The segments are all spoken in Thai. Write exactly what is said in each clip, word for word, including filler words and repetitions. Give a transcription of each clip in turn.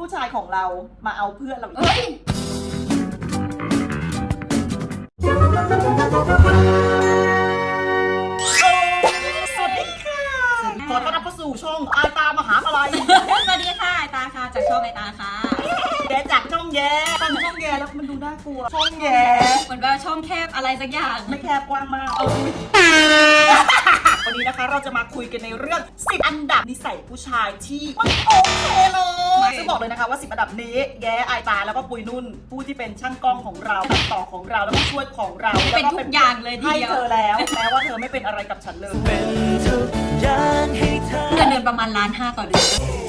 ผู้ชายของเรามาเอาเพื่อนเราอีกเอ้ยสวัสดีค่ะขอต้อนรับเข้าสู่ช่องอาตามหาอะไรสวัสดีค่ะไอตาค่ะจากช่องไอตาค่ะแกจากช่องแย่ฟังช่องแย่แล้วมันดูน่ากลัวช่องแย่เหมือนว่าช่องแคบอะไรสักอย่างไม่แคบกว้างมากวันนี้นะคะเราจะมาคุยกันในเรื่องสิบอันดับนิสัยผู้ชายที่ไม่โอเคเลยซึ่งบอกเลยนะคะว่าสิบอันดับนี้แย่อายตาแล้วก็ปุยนุ่นผู้ที่เป็นช่างกล้องของเราตัดต่อของเราแล้วก็ช่วยของเราเป็นทุกอย่างเลยทีให้เดียวเธอแล้วแม้ว่าเธอไม่เป็นอะไรกับฉันเลยเป็นทุกอย่างให้เธอเงินเดือนประมาณล้านห้าต่อเดือน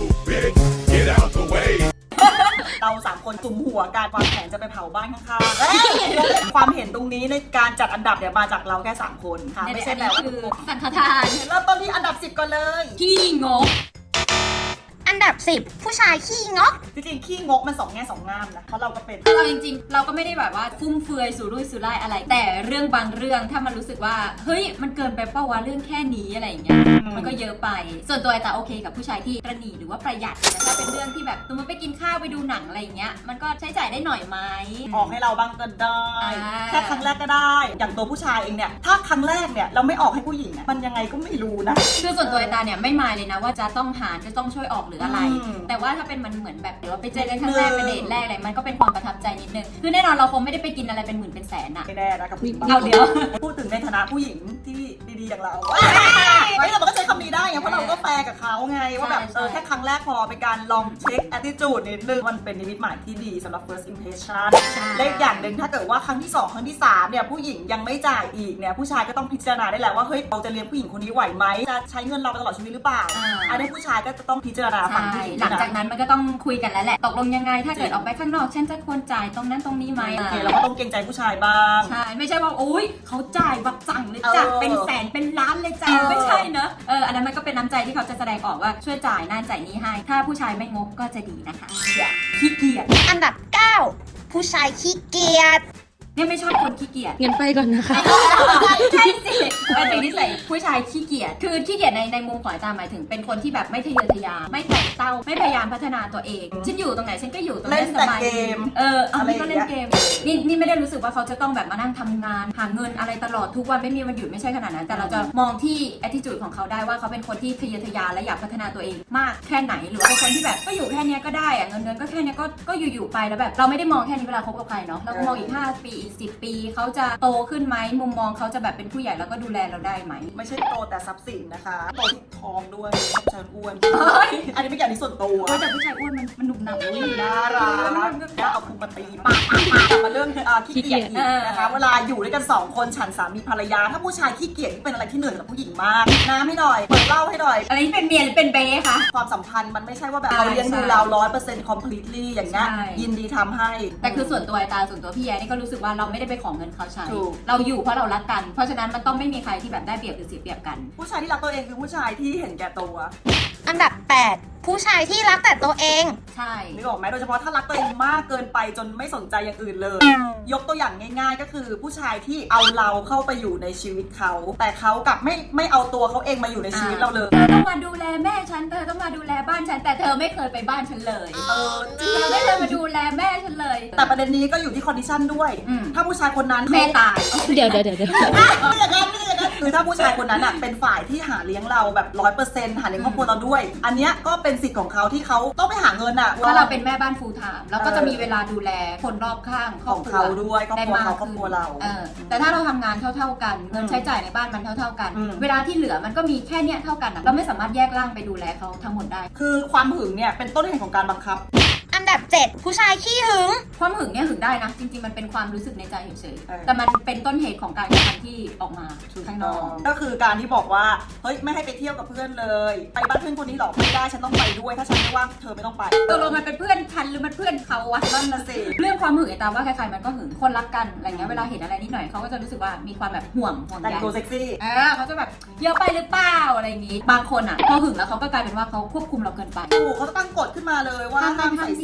Get out the way เราสามคนจุ่มหัวการวางแผนจะไปเผาบ้านข้างๆเอ้ยความเห็นตรงนี้ในการจัดอันดับเนี่ยมาจากเราแค่สามคนค่ะไม่ใช่แปลว่าคือทุกคนสังฆทานเริ่มต้นที่อันดับสิบก่อนเลยที่งกอันดับสิบผู้ชายขี้งกจริงๆขี้งกมันสองแง่สองงามนะเพราะเราก็เป็นเราจริงๆ เราก็ไม่ได้แบบว่าฟุ่มเฟือยสุรุ่ยสุร่ายอะไร แต่เรื่องบางเรื่องถ้ามันรู้สึกว่าเฮ้ยมันเกินไปเป้าวะเรื่องแค่นี้อะไรอย่างเงี้ยมันก็เยอะไปส่วนตัวไอตาโอเคกับผู้ชายที่ประหนี่หรือว่าประหยัดแต่ถ้าเป็นเรื่องที่แบบสมมติไปกินข้าวไปดูหนังอะไรอย่างเงี้ยมันก็ใช้จ่ายได้หน่อยไหมออกให้เราบ้างก็ได้อ่าแค่ครั้งแรกก็ได้ อย่างตัวผู้ชายเองเนี่ยถ้าครั้งแรกเนี่ยเราไม่ออกให้ผู้หญิงอะมันยังไงก็ไม่รู้นะคือส่วนตัวไอตาเนี่ยไม่มายเลยนะว่าจะต้องหารจะต้องช่วยออกหรืออะไรอืมแต่ว่าถ้าเป็นมันเหมือนแบบเดี๋ยวไปเจอกันครั้งแรกเป็นเดทแรกอะไรมันก็เป็นความประทับใจนิดนึงคือแน่นอนเราคงไม่ได้ไปกินอะไรเป็นหมื่นเป็นแสนอะไม่แน่นะกับผู้หญิงบางเอาคนเดี๋ยวพูดถึงในฐานะผู้หญิงที่ดีๆอย่างเราเฮ้ยเราก็ใช้คำนี้ได้ไงเพราะเราก็แฟร์กับเขาไงว่าแบบเออแค่ครั้งแรกพอเป็นการลองเช็ค attitude นิดนึงมันเป็นนิมิตหมายที่ดีสำหรับ first impression และอีกอย่างหนึ่งถ้าเกิดว่าครั้งที่สองครั้งที่สามเนี่ยผู้หญิงยังไม่จ่ายอีกเนี่ยผู้ชายก็ต้องพิจารณาได้แหละว่าเฮ้ยเราจะเลี้ยงผู้หญิงคนนี้ไหวไหมจะใช้เงินเราไปตลอดชีวิตหรือเปล่าอ่าอันนี้ผู้ชายก็จะต้องพิจารณาฝั่งใช่ผู้หญิงหลังจากนะนั้นมันก็ต้องคุยกันแล้วแหละตกลงยังไงถ้าเกิดออกไปข้างนอกฉันจะควรจ่ายตรงนั้นตรงนี้ไหมโอเคเราก็ต้องเกรงใจผู้ชายบ้างใช่ไม่ใช่ว่าโอ๊ยเขาจ่ายแบบสั่งเลยเออจ้ะเป็นแสนเป็นล้านเลยจ้ะเออไม่ใช่เนอะเอออันนั้นมันก็เป็นน้ำใจที่เขาจะแสดงออกว่าช่วยจ่ายนั่นจ่ายนี้ให้ ถ้าผู้ชายไม่งกก็จะดีนะคะขี้เกียจอันดับเก้าผู้ชายขี้เกียจเนี่ยไม่ชอบคนขี้เกียจงั้นไปก่อนนะคะใช่สิเป็นสิ่งที่ใส่ผู้ชายขี้เกียจคือขี้เกียจในในมุมของอาจารย์หมายถึงเป็นคนที่แบบไม่ทะเยอทะยานไม่ไต่เต้าไม่พยายามพัฒนาตัวเองฉันอยู่ตรงไหนฉันก็อยู่ตรงเล่นั้น นสแต่บายเกดีมเออเอาอะไรนี่ก็เล่นอย่างเกเงี้มยนี่นี่ไม่ได้รู้สึกว่าเขาจะต้องแบบมานั่งทำงานหาเงินอะไรตลอดทุกวันไม่มีวันหยุดไม่ใช่ขนาดนั้น แต่เราจะมองที่ attitude ของเขาได้ว่าเขาเป็นคนที่ทะเยอทะยานและอยากพัฒนาตัวเองมากแค่ไหนหรือว่าเป็นคนที่แบบก็อยู่แค่เนี้ยก็ได้อะเงินเดือนก็แค่เนี้ยก็ก็อยู่ๆไปแล้วแบบเราไม่ได้มองแค่นี้เวลาคบกับใครเนาะเราก็มองอีกห้าปีอีกสิบปีเขาจะโตขึ้นไหมมุมมองเขาจะแบบเป็นผู้ใหญ่แล้วก็ดูแลเราได้ไหมไม่ใช่โตแต่ทรัพย์สินนะคะโตที่ทองด้วยชอบเชิญอ้วนเฮ้ยอันนี้ไม่เกี่ยวกับส่วนตัวโอ้ยแต่ผู้ชายอ้วนมันมันหนุบหนับอุ้ยน่ารักแล้วเอาพุงมาตีปากปากปากกลับมาเรื่องเอ่อขี้เกียจอีกนะคะเวลาอยู่ด้วยกันสองคนฉันสามีภรรยา ถ้าผู้ชายขี้เกียจนี่เป็นอะไรที่เหนื่อยกับผู้หญิงมากน้ำให้หน่อยเปิดเหล้าให้หน่อยอะไรที่เป็นเมียหรือเป็นเบ้คะความสัมพันธ์มันไม่ใช่ว่าแบบใช่เราเลี้ยงดูเราร้อยเปอร์เซ็นต์ completely อย่างเงี้ยใช่ยินดีทำให้แต่คือส่วนตัวไอตาส่วนตัวพี่แย้นี่ก็รู้สึกว่าเราไม่ได้ไปขอเงินเขาใช้ถูกเราอยู่เพราะเรารักกัน เพราะฉะนั้นมันต้องไม่มีใครที่แบบได้เปรียบหรือเสียเปรียบกันผู้ชายที่รักตัวเองคือผู้ชายที่เห็นแก่ตัวอันดับแปดผู้ชายที่รักแต่ตัวเองใช่นึกออกไหมโดยเฉพาะถ้ารักตัวเองมากเกินไปจนไม่สนใจอย่างอื่นเลย ยกตัวอย่างง่ายๆ ก็คือผู้ชายที่เอาเราเข้าไปอยู่ในชีวิตเขา แต่เขากลับไม่ไม่เอาตัวเขาเองมาอยู่ในชีวิตเราเลยเธอต้องมาดูแลแม่ฉันเธอต้องมาดูแลบ้านฉันแต่เธอไม่เคยไปบ้านฉันเลยเออจริงเธอไม่เคยมาดูแลแม่ฉันเลยแต่ประเด็นนี้ก็อยู่ที่คอนดิชันด้วยอืมถ้าผู้ชายคนนั้นแม่ตายเดี๋ยวเดี๋ยวเดี๋ยวเดี๋ยวไม่อย่างนั้นไม่อย่างนั้นคือถ้าผู้ชายคนนั้นอ่ะเป็นฝ่ายที่หาเลี้ยงเราแบบร้อยเปอร์เซ็นต์หาเลี้ยงครอบครัวเราด้วย อันเนี้ยก็เป็นสิทธิ์ของเขาที่เขาต้องไปหาเงินอ่ะถ้าเราเป็นแม่บ้านฟูลไทม์เราก็จะมีเวลาดูแลคนรอบข้างครขอบองครัวเขาด้วยครอบครัวได้มากเขาครอบครัวเราเออแต่ถ้าเราทำงานเท่าๆกันเงินใช้จ่ายในบ้านมันเท่าๆกันอืมเวลาที่เหลือมันก็มีแค่เนี้ยเท่ากันอะเราไม่สามารถแยกร่างไปดูแลเขาทั้งหมดได้คือความหึงเนี่ยเป็นต้นเหตุของการบังคับอันดับเจ็ดผู้ชายขี้หึงความหึงเนี่ยหึงได้นะ จริงๆมันเป็นความรู้สึกในใจเฉยเออๆแต่มันเป็นต้นเหตุของการกระทำที่ออกมาข้างนอกก็คือการที่บอกว่าเฮ้ยไม่ให้ไปเที่ยวกับเพื่อนเลย ไปบ้านเพื่อนคนนี้หรอไม่ได้ฉันต้องไปด้วย ถ้าฉันไม่ว่างเธอไม่ต้องไปตกลงมันเป็นเพื่อนฉันหรือมันเพื่อนเขาวะนั่นน่ะสิเรื่องความหึงไอ้ตามว่าใครๆมันก็หึงคนรักกันอะไรเงี้ยเวลาเห็นอะไรนิดหน่อยเขาก็จะรู้สึกว่ามีความแบบห่วงห่วงแต่งใยตัวเซ็กซี่เออเขาจะแบบเยอะไปหรือเปล่าอะไรอย่างงี้ บางคนอ่ะพอหึงแล้วเขาก็กลายเป็นว่าเขาควบคุมเราเกินไปถูกเขาจะตั้งกฎขึ้นมาเลยว่าห้ามใส่เสื้อ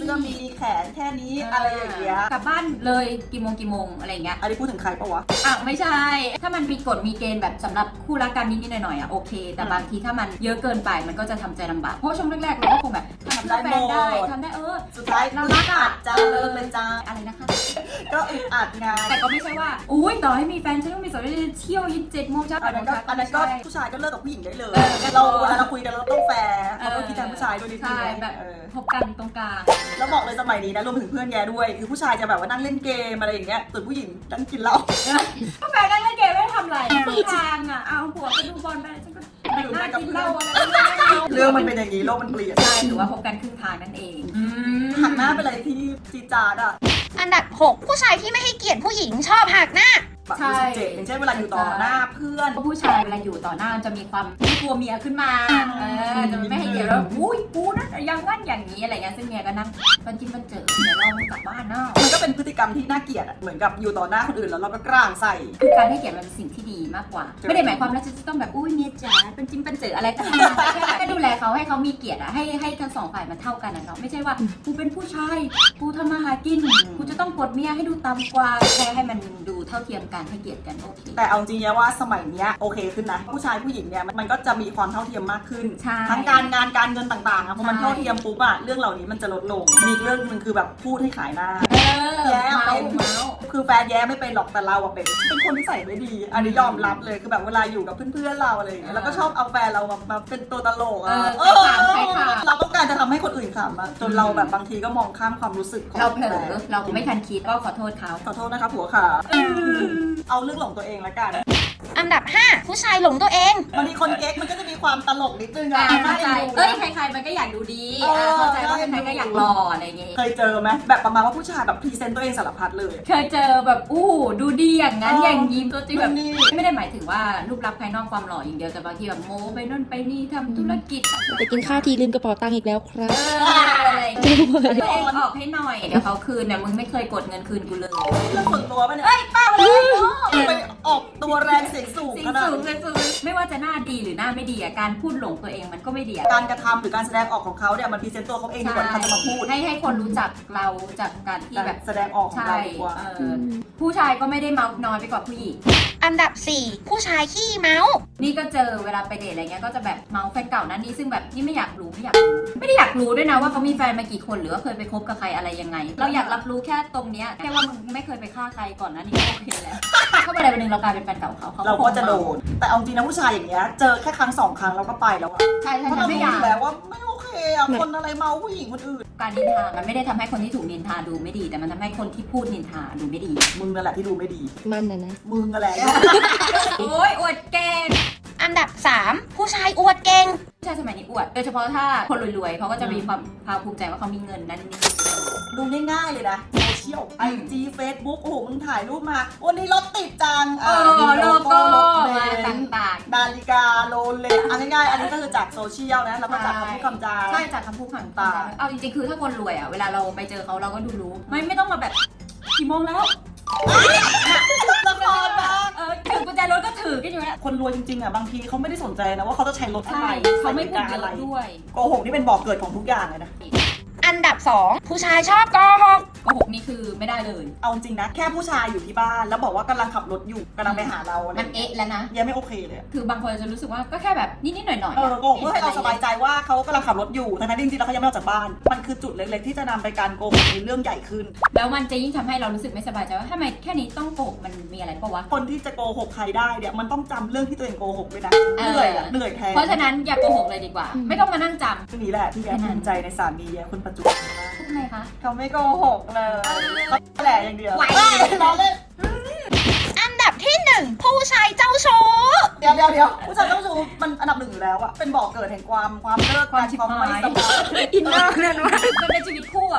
สื้อมีแขนแค่นี้อะไรอย่างเงี้ยกลับบ้านเลยกี่โมงกี่โมงอะไรอย่างเงี้ยอันนี้พูดถึงใครปะวะอ่ะไม่ใช่ ถ้ามันมีกฎมีเกณฑ์แบบสำหรับคู่รักกันนิดๆหน่อยๆอ่ะโอเค แต่บางทีถ้ามันเยอะเกินไปมันก็จะทำใจลำบากเพราะช่วงแรกๆเราก็คงแบบทำได้แฟนได้ทำได้เออสุดท้ายเราอึรัดกอัอ่ะดจ้าเลิกเลยจ้าอะไรนะคะก็อึดอัดไงแต่ก็ไม่ใช่ว่าอุ้ยต่อให้มีแฟนฉันต้องมีสาวเที่ยวยี่สิบเจ็ดโมงเช้าอันนั้นก็แปดโมงเช้าอันนั้นก็ไม่ใช่ผู้ชายก็เลิกกับผู้หญิงได้เลยเออเราเวลาเราคุยกันเราต้องแฟร์เราต้องคิดแทนผู้ชายด้วยนิดนึงใช่แบบเออพบกันตรงกลางแล้วบอกเลยสมัยนี้นะรวมถึงเพื่อนแย่ด้วย คือผู้ชายจะแบบว่านั่งเล่นเกมอะไรอย่างเงี้ยส่วนผู้หญิงนั่งกินเหล้าก็แฟนกันเล่นเกมไม่ได้ทำอะไรตรงกลางอ่ะเอาหัวไปดูบอลไปฉันก็ไปนั่งกินเหล้าอะไรไม่ได้เรื่องมันเป็นอย่างนี้โลกมันเปลี่ยนใช่ถือว่าพบกันครึ่งทางนั่นเองอืมหักหน้าไปเลยที่จีจาดอ่ะอันดับหกผู้ชายที่ไม่ให้เกียรติผู้หญิงชอบหักหน้าแบบใช่สิบเจ็ดอย่างเช่นเวลาอยู่ต่อหน้าเพื่อนผู้ชายเวลาอยู่ต่อหน้าจะมีความไม่กลัวเมียขึ้นมาเออจะไม่ให้เกียรติว่าอุ้ยกูนะอย่างงั้นอย่างนี้อะไรเงี้ยซึ่งเมียก็นั่งปันจิ้มปันเจอเดี๋ยวเราไม่กลับบ้านเนาะมันก็เป็นพฤติกรรมที่น่าเกลียดอะเหมือนกับอยู่ต่อหน้าคนอื่นแล้วเราก็กร่างใส่คือการให้เกียรติมันเป็นสิ่งที่ดีมากกว่า ไม่ได้หมายความว่าจะต้องแบบอุ้ยเมียจ๋าเป็นจิ้มเป็นเจออะไรก็ตามแค่แค่ดูแลเขาให้เขามีเกียรติอะให้ให้ทั้งสองฝ่ายมันเท่ากันนะเนาะไม่ใช่ว่ากูเป็นผู้ชายกูทำมาหากินกูจะต้องกดเมียให้ดูต่ำกว่าแค่ให้มันดูเท่าเทียมกันให้เกียรติกันโอเคแต่เอาจริงๆว่าสมัยเนี้ยโอเคขึ้นนะ ผู้ชายผู้หญิงเนี่ยมันก็จะมีความเท่าเทียมมากขึ้นใช่ทั้งการงานการเงินต่างๆอะพอมันใช่เท่าเทียมปุ๊บอะเรื่องเหล่านี้มันจะลดลงมีอีกเรื่องหนึงคือแบบพูดให้ขายหน้าเออแย่เมาเป็นเมาส์คือแฟนแย้ไม่เป็นหรอกแต่เราอะเป็นเป็นคนที่ใส่ไม่ดีอันนี้ยอมรับเลยคือแบบเวลาอยู่กับเพื่อนๆเราอะไรอย่างเงี้ยแล้วก็ชอบเอาแฟนเรามามาเป็นตัวตลกอะเออใครขำใครขำเราต้องการจะทำให้คนอื่นขำอะจนเราแบบบางทีก็มองข้ามความรู้สึกของเราเผลแฟอน เราไม่ทันคิดก็ขอโทษเขาขอโทษนะคะผัวขาเอาเรื่องหลงตัวเองละกันอันดับห้าผู้ชายหลงตัวเองบางทีคนเก๊กมันก็จะมีความตลกนิดนึงอ่าอะเข้าใจน่าเอ็นดูเอ้ยนะใครๆมันก็อยากดูดีเอออ่าเข้าใจว่าใช่ใครๆก็อยากหล่ออะไรอย่างงี้เคยเจอไหมแบบประมาณว่าผู้ชายแบบพรีเซนต์ตัวเองสารพัดเลยเคยเจอแบบอู้ดูดีอย่างนั้นเออออย่างยิ้มตัวจริงแบบนี่ไม่ได้หมายถึงว่ารูปลักษณ์ภายนอกความหล่ออย่างเดียวแต่บางทีแบบโม้ไปนู่นไปนี่ทำธุรกิจไปกินข้าวทีลืมกระเป๋าตังค์อีกแล้วครัเอบ ออะไรอย่างเงี้ยตัวเองออกให้หน่อยเดี๋ยวเขาคืนเนี่ยมึงไม่เคยกดเงินคืนกูเลยเรื่องส่วนตัวปะเนี่ยเฮ้ยป้าเลยไปออกตัวแรงเสียงสูงสิ่งขนาดสูงนี้เลยสูงไม่ว่าจะหน้าดีหรือหน้าไม่ดีอ่ะการพูดหลงตัวเองมันก็ไม่ดีอ่ะการกระทำหรือการแสดงออกของเขาเนี่ยมันพรีเซนต์ตัวเขาเองดีกว่าที่เขาจะมาพูดให้ให้คนรู้จักเราจากการที่การแบบแสดงออกของใช่เราดีกว่าเออผู้ชายก็ไม่ได้เมาน้อยไปกว่าผู้หญิงอันดับสี่ผู้ชายขี้เมานี่ก็เจอเวลาไปเดทอะไรเงี้ยก็จะแบบเมาแฟนเก่านั้นนี่ซึ่งแบบนี่ไม่อยากรู้ไม่อยากรู้ไม่ได้อยากรู้ด้วยนะว่าเขามีแฟนมากี่คนหรือว่าเคยไปคบกับใครอะไรยังไง เราอยากรับรู้แค่ตรงเนี้ยแค่ว่ามึงไม่เคยไปฆ่าใครก่อนนั้นนี่ก็โอเคแล้วถ้าวันใดวันหนึ่งเรากลายเป็นแฟนเก่าเขาเขาเราก็จะโดน แต่เอาจริงนะผู้ชายอย่างเงี้ยเจอแค่ครั้งสองครั้งเราก็ไปแล้วอะใช่ใช่เพราะใช่เราไม่รู้ออยากยู่แล้วว่าไม่โอเคอะคนอะไรเมาผู้หญิงคนอื่นการนินทามันไม่ได้ทำให้คนที่ถูกนินทาดูไม่ดี แต่มันทำให้คนที่พูดนินทาดูไม่ดีมึงนั่นแหละที่ดูไม่ดีมันนะนะมึงนั่นแหละโอ้ยอวดเก่งอันดับสามผู้ชายอวดเก่งผู้ชายสมัยนี้อวดโดยเฉพาะถ้าคนรวยๆเขาก็จะมีความภาคภูมิใจว่าเขามีเงินนั้นนี่ดูง่ายๆเลยนะโซเชียลไอจีเฟซบุ๊กโอ้โหมึงถ่ายรูปมา วันนี้รถติดจังเออโลโก้รถเบมานซ์ต่างนาฬิกาโรเล็กอันง่ายๆอันนี้ก็คือจากโซเชียลนะแล้วก็จากคำพูดคำจาๆใช่จากคำพูดคำตาเอาจริงๆคือถ้าคนรวยอ่ะเวลาเราไปเจอเขาเราก็ดูรู้ไม่ไม่ต้องมาแบบกี่โมงแล้วละครบ้างเออถือกุญแจรถก็ถือกันอยู่แล้วคนรวยจริงๆอ่ะบางทีเขาไม่ได้สนใจนะว่าเขาจะใช้รถอะไรใช่เขาไม่พูดใช้เยนาฬิกาอะไรอะด้วยโกหกนี่เป็นบ่อกเกิดของทุกอย่างเลยนะอันดับสองผู้ชายชอบโกหกโกหกนี่คือไม่ได้เลยเอาจริงนะ แค่ผู้ชายอยู่ที่บ้านแล้วบอกว่ากำลังขับรถอยู่กำลังไปหาเราอะไรมันเอ๊ะแล้วนะยังไม่โอเคเลยอะคือบางคนจะรู้สึกว่าก็แค่แบบนิดๆหน่อยๆเออโกหกเพื่อให้เราสบายใจว่าเขากำลังขับรถอยู่ทั้งนั้นจริงๆแล้วเขายังไม่ออกจากบ้าน มันคือจุดเล็กๆที่จะนำไปการโกหกในเรื่องใหญ่ขึ้นแล้วมันจะยิ่งทำให้เรารู้สึกไม่สบายใจว่าทำไมแค่นี้ต้องโกหกมันมีอะไรปะวะคนที่จะโกหกใครได้เนี่ยมันต้องจำเรื่องที่ตัวเองโกหกด้วยนะเอเหอนื่อยอะเหนื่อยแทนเพราะฉะนั้นอย่าโกหกเลยดีกว่า ไม่ต้องมานั่งจเรื่องนี้แหละที่แกภูมิใจในสามีแกคนปัจจุบันมากำทำไมคะเขาไม่โกหกเลยเขาแหละอย่างเดียวไหวเราเล่นอันดับที่หนึ่งผู้ชายเจ้าชู้เดี๋ยวเดี๋ยวเดี๋ยวผู้ชายต้องชูมันอันดับหนึ่งอยู่แล้วอะเป็นบ่อกเกิดแห่งความความเลิกกันความไม่สบายอินเนอร์นั่นวะมันเป็นชีวิตคู่อ่ะมันเป็นชีวิต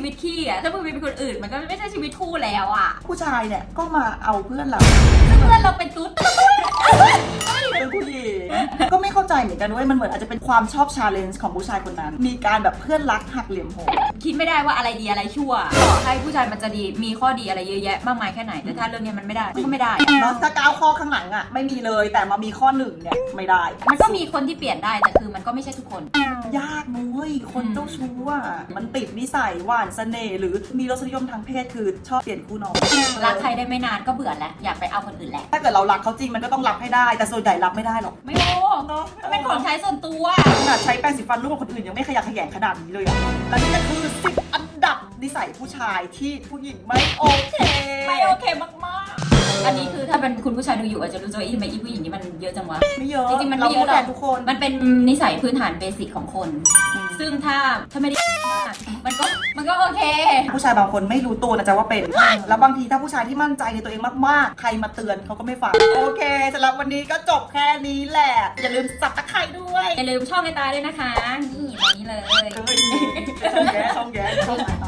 วิตขี้อ่ะถ้ามึงมีเป็นคนอื่นมันก็ไม่ใช่ชีวิตคู่แล้วอ่ะผู้ชายเนี่ยก็มาเอาเพื่อนเราเพื่อนเราเป็นตุ๊ดเป็นผู้หญิงก็ไม่เข้าใจเหมือนกันเว้ยมันเหมือนอาจจะเป็นความชอบชาเลนจ์ของผู้ชายคนนั้น มีการแบบเพื่อนรักหักเหลี่ยมโหดคิดไม่ได้ว่าอะไรดีอะไรชั่วต่อให้ผู้ชายมันจะดีมีข้อดีอะไรเยอะแยะมากมายแค่ไหนแต่ถ้าเรื่องนี้มันไม่ได้มันก็ไม่ได้เนาะถ้าก้าวข้อข้างหลังอ่ะไม่มีเลยแต่มามีข้อหนึ่งเนี่ยไม่ได้มันก็มีคนที่เปลี่ยนได้แต่คือมันก็ไม่ใช่ทุกคนยากนุ้ยคนเจ้าชู้อ่ะมันติดนิสัยหวานเสน่ห์หรือมีรสนิยมทางเพศคือชอบเปลี่ยนคู่นอนรักใครได้ไม่นานก็เบื่อแล้วอยากไปเอาคนอื่นแหละถ้าเกิดเรารักเขาจริงมันก็ต้องรับให้ได้แต่ส่วนใหญ่รับไม่ได้หรอกไม่โอ้เนาะมันเป็นของใช้ส่วนตัวขนาดใช้แปรงสีฟันร่วมกับคนอื่นยังไม่ขยักขยงขนาดนี้เลยอะและนี่ก็คือสิบอันดับนิสัยผู้ชายที่ผู้หญิงไม่โอเคไม่โอเคมากๆอันนี้คือถ้าเป็นคุณผู้ชายดูอยู่อาจจะรู้สึกว่าอีทำไมอีผู้หญิงนี่มันเยอะจังวะไม่เยอะจริงๆมันเราไม่เยพูอะดหรแทอกนทุกคนมันเป็นนิสัยพื้นฐานเบสิกของคน ซึ่งถ้าถ้าไม่ได้มากมันก็มันก็โอเคผู้ชายบางคนไม่รู้ตัวนะจ๊ะว่าเป็น แล้วบางทีถ้าผู้ชายที่มั่นใจในตัวเองมากๆ ใครมาเตือนเขาก็ไม่ฟัง โอเคสำหรับวันนี้ก็จบแค่นี้แหละ อย่าลืมสับตะไคร้ด้วยอย่าลืมช่องไอตาด้วยนะคะ นี่ตรงนี้เลยเฮ้ยช่องแย้ช่องแย้ช่องไอตา